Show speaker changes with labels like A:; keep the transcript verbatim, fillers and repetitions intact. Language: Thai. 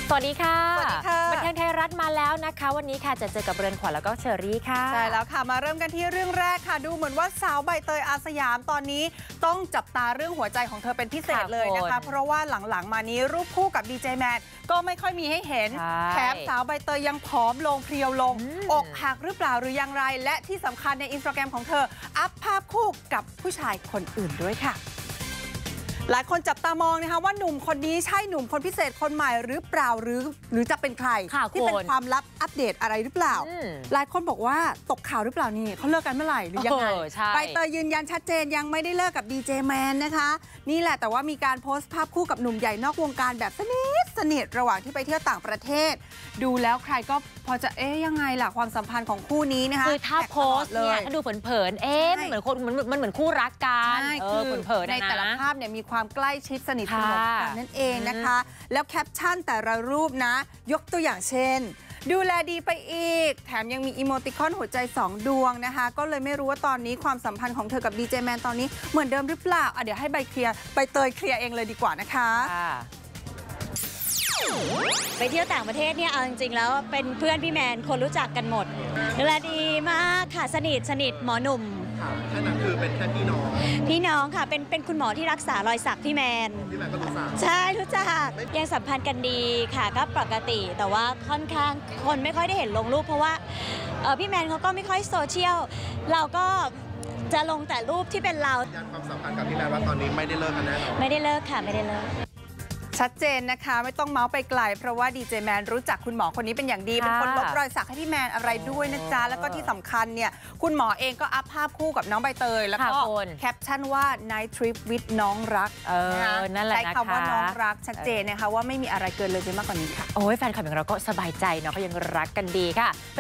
A: สวัสดีค่ะ
B: สวัสดีค่ะ
A: บันเทิงไทยรัฐมาแล้วนะคะวันนี้ค่ะจะเจอกับเรือนขวัญแล้วก็เชอรี่ค่ะ
B: ใช่แล้วค่ะมาเริ่มกันที่เรื่องแรกค่ะดูเหมือนว่าสาวใบเตยอาสยามตอนนี้ต้องจับตาเรื่องหัวใจของเธอเป็นพิเศษเลยนะคะเพราะว่าหลังๆมานี้รูปคู่กับดีเจแมนก็ไม่ค่อยมีให้เห็นแถมสาวใบเตยยังผอมลงเพรียวลงอกหักหรือเปล่าหรืออย่างไรและที่สำคัญในอินสตาแกรมของเธออัพภาพคู่กับผู้ชายคนอื่นด้วยค่ะหลายคนจับตามองนะคะว่าหนุ่มคนนี้ใช่หนุ่มคนพิเศษคนใหม่หรือเปล่าหรือหรือจะเป็นใครที่เป็นความลับอัปเดตอะไรหรือเปล่าหลายคนบอกว่าตกข่าวหรือเปล่านี่เขาเลิกกันเมื่อไหร่หรือยังไงใบเตยยืนยันชัดเจนยังไม่ได้เลิกกับดีเจแมนนะคะนี่แหละแต่ว่ามีการโพสต์ภาพคู่กับหนุ่มใหญ่นอกวงการแบบสนิทสนิทระหว่างที่ไปเที่ยวต่างประเทศดูแล้วใครก็พอจะเอ๊ยยังไงล่ะความสัมพันธ์ของคู่นี้นะคะ
A: คือถ้าโพสต์เนี่ยถ้าดูเผินๆเอ๊ะมันเหมือนคนมันมันเหมือนคู่รักกันคือเผินๆใน
B: แต่ละภาพเนี่ยมีความใกล้ชิดสนิทสนมกันนั่นเองนะคะแล้วแคปชั่นแต่ละรูปนะยกตัวอย่างเช่นดูแลดีไปอีกแถมยังมีอีโมติคอนหัวใจสองดวงนะคะก็เลยไม่รู้ว่าตอนนี้ความสัมพันธ์ของเธอกับดีเจแมนตอนนี้เหมือนเดิมหรือเปล่าอ่ะเดี๋ยวให้ใบเคลียร์ใบเตยเคลียร์เองเลยดีกว่านะคะ
C: ไปเที่ยวต่างประเทศเนี่ยเอาจริงๆแล้วเป็นเพื่อนพี่แมนคนรู้จักกันหมดดูแลดีมากค่ะสนิทสนิทหมอหนุ่ม
D: แค่นั้นคือเป็นแค่พี่น้อง
C: พี่น้องค่ะเป็นเป็นคุณหมอที่รักษารอยสักพี่แมน
D: พี่แมนก็รู้จัก
C: ใช่รู้จักยังสัมพันธ์กันดีค่ะก็ปกติแต่ว่าค่อนข้างคนไม่ค่อยได้เห็นลงรูปเพราะว่าพี่แมนเขาก็ไม่ค่อยโซเชียลเราก็จะลงแต่รูปที่เป็นเรา
D: ยันความสัมพันธ์กับพี่แมนว่าตอนนี้ไม่ได้เลิกกันแน่นอน
C: ไม่ได้เลิกค่ะไม่ได้เลิก
B: ชัดเจนนะคะไม่ต้องเมาส์ไปไกลเพราะว่าดีเจแมนรู้จักคุณหมอคนนี้เป็นอย่างดีเป็นคนลบรอยสักให้พี่แมนอะไรด้วยนะจ๊ะแล้วก็ที่สำคัญเนี่ยคุณหมอเองก็อัพภาพคู่กับน้องใบเตยแล้วก็แคปชั่นว่า night trip with น้องรักใช้คำว่าน้องรักชัดเจนนะคะว่าไม่มีอะไรเกินเลยไปมากกว่านี้ค่ะ
A: โอ้ยแฟนคลับอย่างเราก็สบายใจเนาะเขายังรักกันดีค่ะ